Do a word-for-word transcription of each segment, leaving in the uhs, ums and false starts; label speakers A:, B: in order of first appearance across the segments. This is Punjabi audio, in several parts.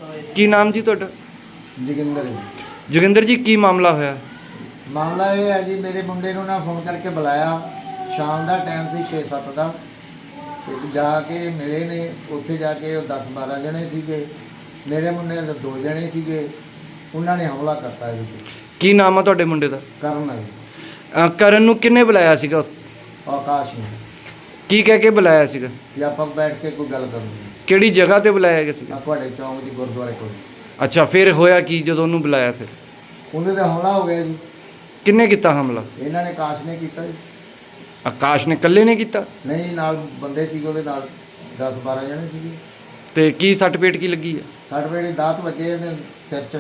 A: ਕੀ ਨਾਮ ਜੀ ਤੁਹਾਡਾ?
B: ਜੋਗਿੰਦਰ ਜੀ।
A: ਜੋਗਿੰਦਰ ਜੀ, ਕੀ ਮਾਮਲਾ ਹੋਇਆ?
B: ਮਾਮਲਾ ਇਹ ਹੈ ਜੀ, ਮੇਰੇ ਮੁੰਡੇ ਨੂੰ ਨਾ ਫੋਨ ਕਰਕੇ ਬੁਲਾਇਆ, ਸ਼ਾਮ ਦਾ ਟਾਈਮ ਸੀ ਛੇ ਸੱਤ ਦਾ, ਤੇ ਜਾ ਕੇ ਮਿਲੇ ਨੇ। ਉੱਥੇ ਜਾ ਕੇ ਉਹ ਦਸ ਬਾਰਾਂ ਜਣੇ ਸੀਗੇ, ਮੇਰੇ ਮੁੰਡੇ ਦੇ ਦੋ ਜਣੇ ਸੀਗੇ, ਉਹਨਾਂ ਨੇ ਹਮਲਾ ਕਰਤਾ ਜੀ।
A: ਕੀ ਨਾਮ ਆ ਤੁਹਾਡੇ ਮੁੰਡੇ ਦਾ?
B: ਕਰਨ ਆ ਜੀ।
A: ਅ, ਕਰਨ ਨੂੰ ਕਿੰਨੇ ਬੁਲਾਇਆ ਸੀਗਾ?
B: ਆਕਾਸ਼ ਨੇ।
A: ਕੀ ਕਹਿ ਕੇ ਬੁਲਾਇਆ ਸੀਗਾ?
B: ਵੀ ਆਪਾਂ ਬੈਠ ਕੇ ਕੋਈ ਗੱਲ ਕਰਨੀ।
A: ਕਿਹੜੀ ਜਗ੍ਹਾ ਤੇ ਬੁਲਾਇਆ ਗਿਆ ਸੀਗਾ?
B: ਆ ਤੁਹਾਡੇ ਚੌਂਕ ਦੀ ਗੁਰਦੁਆਰੇ ਕੋਲ।
A: ਅੱਛਾ, ਫਿਰ ਹੋਇਆ ਕੀ ਜਦੋਂ ਉਹਨੂੰ ਬੁਲਾਇਆ? ਫਿਰ
B: ਉਹਦੇ ਤੇ ਹਮਲਾ ਹੋ ਗਿਆ ਜੀ।
A: ਕਿੰਨੇ ਕੀਤਾ ਹਮਲਾ?
B: ਇਹਨਾਂ ਨੇ ਆਕਾਸ਼ ਨੇ ਕੀਤਾ ਜੀ।
A: ਆਕਾਸ਼ ਨੇ ਇਕੱਲੇ ਨੇ ਕੀਤਾ?
B: ਨਹੀਂ, ਨਾਲ ਬੰਦੇ ਸੀਗੇ ਉਹਦੇ ਨਾਲ, ਦਸ ਬਾਰਾਂ ਜਣੇ ਸੀਗੇ।
A: ਤੇ ਕੀ ਸੱਟ ਪੇਟ ਕੀ ਲੱਗੀ ਆ?
B: ਸੱਟ ਵੇਲੇ ਦਾਤ ਵੱਜੇ ਇਹਨੇ ਸਿਰ 'ਚ।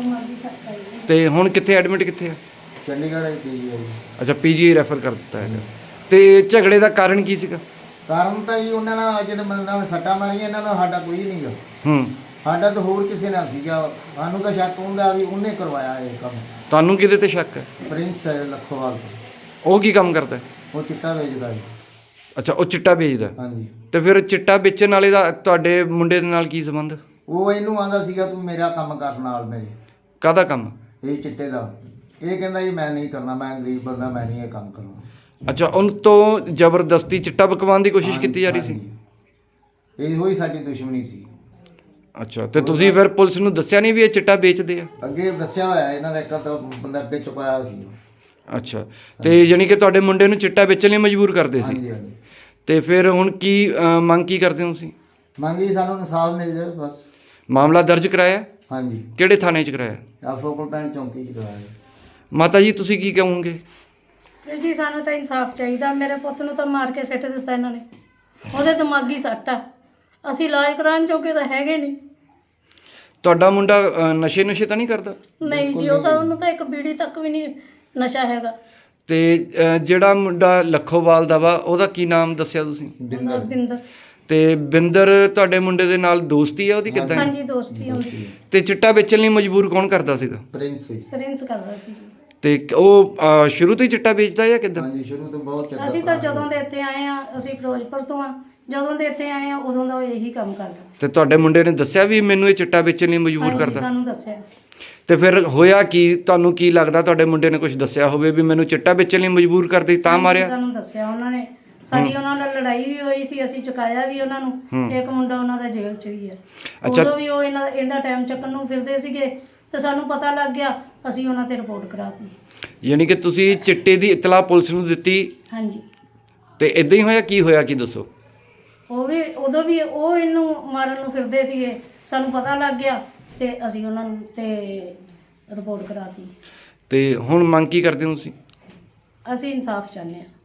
A: ਤੇ ਹੁਣ ਕਿੱਥੇ ਐਡਮਿਟ ਕਿੱਥੇ ਆ?
B: ਚੰਡੀਗੜ੍ਹ ਦੀ ਜੀ।
A: ਅੱਛਾ, ਪੀਜੀ ਰੈਫਰ ਕਰ ਦਿੱਤਾ ਹੈਗਾ। ਤੇ ਝਗੜੇ ਦਾ ਕਾਰਨ ਕੀ ਸੀਗਾ?
B: ਕਾਰਨ ਤਾਂ ਜੀ ਉਹਨਾਂ ਨਾਲ ਜਿਹੜੇ ਬੰਦੇ ਨਾਲ ਸੱਟਾਂ ਮਾਰੀਆਂ, ਇਹਨਾਂ ਨਾਲ ਸਾਡਾ ਕੋਈ ਨਹੀਂ ਗਾ।
A: ਹੂੰ।
B: ਸਾਡਾ ਤਾਂ ਹੋਰ ਕਿਸੇ ਨਾਲ ਸੀਗਾ। ਸਾਨੂੰ ਤਾਂ ਸ਼ੱਕ ਹੁੰਦਾ ਵੀ ਉਹਨੇ ਕਰਵਾਇਆ ਇਹ ਕੰਮ।
A: ਤੁਹਾਨੂੰ ਕਿਹਦੇ ਤੇ ਸ਼ੱਕ ਹੈ?
B: ਪ੍ਰਿੰਸ ਹੈ ਲੱਖੋਵਾਲ ਤੋਂ।
A: ਉਹ ਕੀ ਕੰਮ ਕਰਦਾ ਹੈ?
B: ਉਹ ਚਿੱਟਾ ਵੇਚਦਾ ਜੀ।
A: ਅੱਛਾ, ਉਹ ਚਿੱਟਾ ਵੇਚਦਾ।
B: ਹਾਂਜੀ।
A: ਤੇ ਫਿਰ ਚਿੱਟਾ ਵੇਚਣ ਵਾਲੇ ਦਾ ਤੁਹਾਡੇ ਮੁੰਡੇ ਦੇ ਨਾਲ ਕੀ ਸੰਬੰਧ?
B: ਉਹ ਇਹਨੂੰ ਆਂਦਾ ਸੀਗਾ ਤੂੰ ਮੇਰਾ ਕੰਮ ਕਰ ਨਾਲ ਮੇਰੇ।
A: ਕਾਹਦਾ ਕੰਮ? ਇਹ
B: ਚਿੱਟੇ ਦਾ। ਇਹ ਕਹਿੰਦਾ ਜੀ ਮੈਂ ਨਹੀਂ ਕਰਨਾ, ਮੈਂ ਗਰੀਬ ਬੰਦਾ, ਮੈਂ ਨਹੀਂ ਇਹ ਕੰਮ ਕਰਨਾ।
A: ਅੱਛਾ, ਉਹਨ ਤੋਂ ਜ਼ਬਰਦਸਤੀ ਚਿੱਟਾ ਬਕਵਾਉਣ ਦੀ ਕੋਸ਼ਿਸ਼ ਕੀਤੀ ਜਾ ਰਹੀ ਸੀ?
B: ਇਹੋ ਹੀ ਸਾਡੀ ਦੁਸ਼ਮਣੀ ਸੀ।
A: ਅੱਛਾ, ਤੇ ਤੁਸੀਂ ਫਿਰ ਪੁਲਿਸ ਨੂੰ ਦੱਸਿਆ ਨਹੀਂ ਵੀ ਇਹ ਚਿੱਟਾ ਵੇਚਦੇ ਆ?
B: ਅੱਗੇ ਦੱਸਿਆ ਹੋਇਆ ਇਹਨਾਂ ਦਾ, ਇੱਕ ਤਾਂ ਬੰਦਾ ਅੱਗੇ ਚੁਕਾਇਆ ਸੀ।
A: ਅੱਛਾ, ਤੇ ਯਾਨੀ ਕਿ ਤੁਹਾਡੇ ਮੁੰਡੇ ਨੂੰ ਚਿੱਟਾ ਵੇਚਣ ਲਈ ਮਜਬੂਰ ਕਰਦੇ ਸੀ?
B: ਹਾਂਜੀ ਹਾਂਜੀ।
A: ਤੇ ਫਿਰ ਹੁਣ ਕੀ ਅ, ਮੰਗ ਕੀ ਕਰਦੇ ਹੋ ਤੁਸੀਂ?
B: ਮੰਗੀ ਸਾਨੂੰ ਇਨਸਾਫ ਮਿਲ ਜਾਵੇ ਬਸ।
A: ਮਾਮਲਾ ਦਰਜ ਕਰਾਇਆ?
B: ਹਾਂਜੀ।
A: ਕਿਹੜੇ ਥਾਣੇ 'ਚ ਕਰਾਇਆ?
B: ਆ ਫੋਕਲ ਪੈਣ ਚੌਂਕੀ 'ਚ ਕਰਾਇਆ।
A: ਮਾਤਾ ਜੀ, ਤੁਸੀਂ ਕੀ ਕਹੋਗੇ?
C: ਜੀ ਸਾਨੂੰ ਤਾਂ ਇਨਸਾਫ ਚਾਹੀਦਾ। ਮੇਰੇ ਪੁੱਤ ਨੂੰ ਤਾਂ ਮਾਰ ਕੇ ਸਿੱਟ ਦਿੱਤਾ ਇਹਨਾਂ ਨੇ। ਉਹਦੇ ਦਿਮਾਗੀ ਸੱਟ ਆ। ਅਸੀਂ ਇਲਾਜ ਕਰਾਉਣ ਜੋਗੇ ਤਾਂ ਹੈਗੇ ਨਹੀਂ।
A: ਤੁਹਾਡਾ ਮੁੰਡਾ ਅ, ਨਸ਼ੇ ਨੁਸ਼ੇ ਤਾਂ ਨਹੀਂ ਕਰਦਾ?
C: ਨਹੀਂ ਜੀ, ਉਹ ਤਾਂ ਉਹਨੂੰ ਤਾਂ ਇੱਕ ਬੀੜੀ ਤੱਕ ਵੀ ਨਹੀਂ ਨਸ਼ਾ ਹੈਗਾ।
A: ਤੇ ਅ, ਜਿਹੜਾ ਮੁੰਡਾ ਲੱਖੋਵਾਲ ਦਾ ਵਾ, ਉਹਦਾ ਕੀ ਨਾਮ ਦੱਸਿਆ ਤੁਸੀਂ?
B: ਬਿੰਦਰ।
C: ਬਿੰਦਰ।
A: ਤੇ ਬਿੰਦਰ ਤੁਹਾਡੇ ਮੁੰਡੇ ਦੇ ਨਾਲ ਦੋਸਤੀ ਆ ਉਹਦੀ ਕਿੱਦਾਂ?
C: ਹਾਂਜੀ, ਦੋਸਤੀ ਹੁੰਦੀ।
A: ਤੇ ਚਿੱਟਾ ਵੇਚਣ ਲਈ ਮਜਬੂਰ ਕੌਣ ਕਰਦਾ ਸੀਗਾ?
B: ਪ੍ਰਿੰਸ ਸੀ।
C: ਪ੍ਰਿੰਸ ਕਰਦਾ ਸੀ ਜੀ।
A: ਤੇ ਉਹ ਅ, ਸ਼ੁਰੂ ਤੋਂ ਹੀ ਚਿੱਟਾ ਵੇਚਦਾ ਜਾਂ ਕਿੱਦਾਂ?
B: ਹਾਂਜੀ, ਸ਼ੁਰੂ ਤੋਂ ਬਹੁਤ ਚੰਗਾ।
C: ਅਸੀਂ ਤਾਂ ਜਦੋਂ ਦੇ ਇੱਥੇ ਆਏ ਆ, ਅਸੀਂ ਫਿਰੋਜ਼ਪੁਰ ਤੋਂ ਆ, ਜਦੋਂ ਦੇ ਇੱਥੇ ਆਏ ਆ ਉਦੋਂ ਦਾ ਉਹ ਇਹੀ ਕੰਮ ਕਰਦਾ।
A: ਤੇ ਤੁਹਾਡੇ ਮੁੰਡੇ ਨੇ ਦੱਸਿਆ ਵੀ ਮੈਨੂੰ ਇਹ ਚਿੱਟਾ ਵੇਚਣ ਲਈ ਮਜਬੂਰ
C: ਹਾਂਜੀ,
A: ਕਰਦਾ?
C: ਸਾਨੂੰ ਦੱਸਿਆ।
A: ਤੇ ਫਿਰ ਹੋਇਆ ਕੀ? ਤੁਹਾਨੂੰ ਕੀ ਲੱਗਦਾ ਤੁਹਾਡੇ ਮੁੰਡੇ ਨੇ ਕੁਝ ਦੱਸਿਆ ਹੋਵੇ ਵੀ ਮੈਨੂੰ ਚਿੱਟਾ ਵੇਚਣ ਲਈ ਮਜਬੂਰ ਕਰਦੀ ਤਾਂ
C: ਹਾਂਜੀ,
A: ਮਾਰਿਆ?
C: ਸਾਨੂੰ ਦੱਸਿਆ ਉਹਨਾਂ ਨੇ। ਸਾਡੀ ਉਹਨਾਂ ਨਾਲ ਲੜਾਈ ਵੀ ਹੋਈ ਸੀ, ਅਸੀਂ ਚੁਕਾਇਆ ਵੀ ਉਹਨਾਂ ਨੂੰ। ਇੱਕ ਮੁੰਡਾ ਉਹਨਾਂ ਦਾ ਜੇਲ੍ਹ 'ਚ ਵੀ ਹੈ। ਉਦੋਂ ਵੀ ਉਹ ਇਹਨਾਂ ਇਹਦਾ ਟਾਈਮ ਚੱਕਣ ਨੂੰ ਫਿਰਦੇ ਸੀਗੇ ਤੇ ਸਾਨੂੰ ਪਤਾ ਲੱਗ ਗਿਆ, ਅਸੀਂ ਉਹਨਾਂ ਤੇ ਰਿਪੋਰਟ ਕਰਾਤੀ।
A: ਯਾਨੀ ਕਿ ਤੁਸੀਂ ਚਿੱਟੇ ਦੀ ਇਤਲਾਹ ਪੁਲਿਸ ਨੂੰ ਦਿੱਤੀ?
C: ਹਾਂਜੀ।
A: ਤੇ ਇਦਾਂ ਹੀ ਹੋਇਆ? ਕੀ ਹੋਇਆ, ਕੀ ਦੱਸੋ?
C: ਉਹ ਵੀ ਉਦੋਂ ਵੀ ਉਹ ਇਹਨੂੰ ਮਾਰਨ ਨੂੰ ਫਿਰਦੇ ਸੀਗੇ, ਸਾਨੂੰ ਪਤਾ ਲੱਗ ਗਿਆ ਤੇ ਅਸੀਂ ਉਹਨਾਂ ਨੂੰ ਤੇ ਰਿਪੋਰਟ ਕਰਾਤੀ।
A: ਤੇ ਹੁਣ ਮੰਗ ਕੀ ਕਰਦੇ ਹੋ ਤੁਸੀਂ?
C: ਅਸੀਂ ਇਨਸਾਫ ਚਾਹੁੰਦੇ ਹਾਂ।